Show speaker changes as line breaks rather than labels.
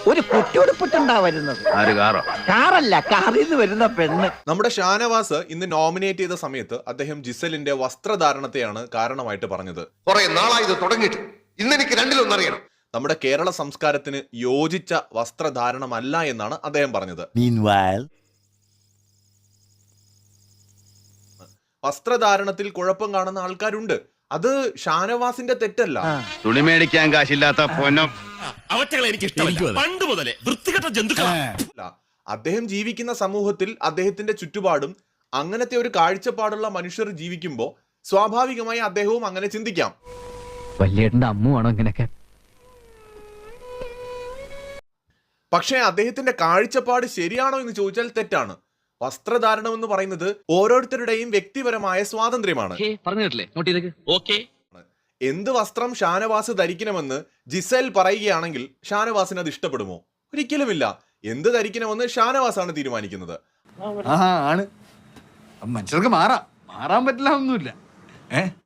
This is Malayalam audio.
ഒരു കുട്ടിയുടുപ്പിട്ടുണ്ടാ വരുന്നത്. കാറല്ല, കാറിൽ നിന്ന് വരുന്ന പെണ്ണ്.
നമ്മുടെ ഷാനവാസ് ഇന്ന് നോമിനേറ്റ് ചെയ്ത സമയത്ത് അദ്ദേഹം ജിസലിന്റെ വസ്ത്രധാരണത്തെയാണ് കാരണമായിട്ട് പറഞ്ഞത്.
കുറെ നാളായി ഇത് തുടങ്ങിയിട്ട്, ഇന്നെനിക്ക് രണ്ടിലൊന്നറിയണം.
നമ്മുടെ കേരള സംസ്കാരത്തിന് യോജിച്ച വസ്ത്രധാരണമല്ല എന്നാണ് അദ്ദേഹം പറഞ്ഞത്. വസ്ത്രധാരണത്തിൽ കുഴപ്പം കാണുന്ന ആൾക്കാരുണ്ട്. അത് ഷാനവാസിന്റെ തെറ്റല്ല.
തുണി മേടിക്കാൻ കാശില്ലാത്ത പൊന്നും
പണ്ട് മുതലേ വൃത്തികെട്ട ജന്തുക്കളാ.
അദ്ദേഹം ജീവിക്കുന്ന സമൂഹത്തിൽ അദ്ദേഹത്തിന്റെ ചുറ്റുപാടും അങ്ങനത്തെ ഒരു കാഴ്ചപ്പാടുള്ള മനുഷ്യർ ജീവിക്കുമ്പോൾ സ്വാഭാവികമായി അദ്ദേഹവും അങ്ങനെ ചിന്തിക്കാം.
വല്യേട്ടന്റെ അമ്മുവാണോ ഇങ്ങനെയൊക്കെ?
പക്ഷേ അദ്ദേഹത്തിന്റെ കാഴ്ചപ്പാട് ശരിയാണോ എന്ന് ചോദിച്ചാൽ തെറ്റാണ്. വസ്ത്രധാരണം എന്ന് പറയുന്നത് ഓരോരുത്തരുടെയും വ്യക്തിപരമായ സ്വാതന്ത്ര്യമാണ്. എന്ത് വസ്ത്രം ഷാനവാസ് ധരിക്കണമെന്ന് ജിസേൽ പറയുകയാണെങ്കിൽ ഷാനവാസിന് അത് ഇഷ്ടപ്പെടുമോ? ഒരിക്കലുമില്ല. എന്ത് ധരിക്കണമെന്ന് ഷാനവാസാണ് തീരുമാനിക്കുന്നത്.
ആണ് മനുഷ്യർക്ക് മാറാൻ പറ്റില്ല ഒന്നുമില്ല.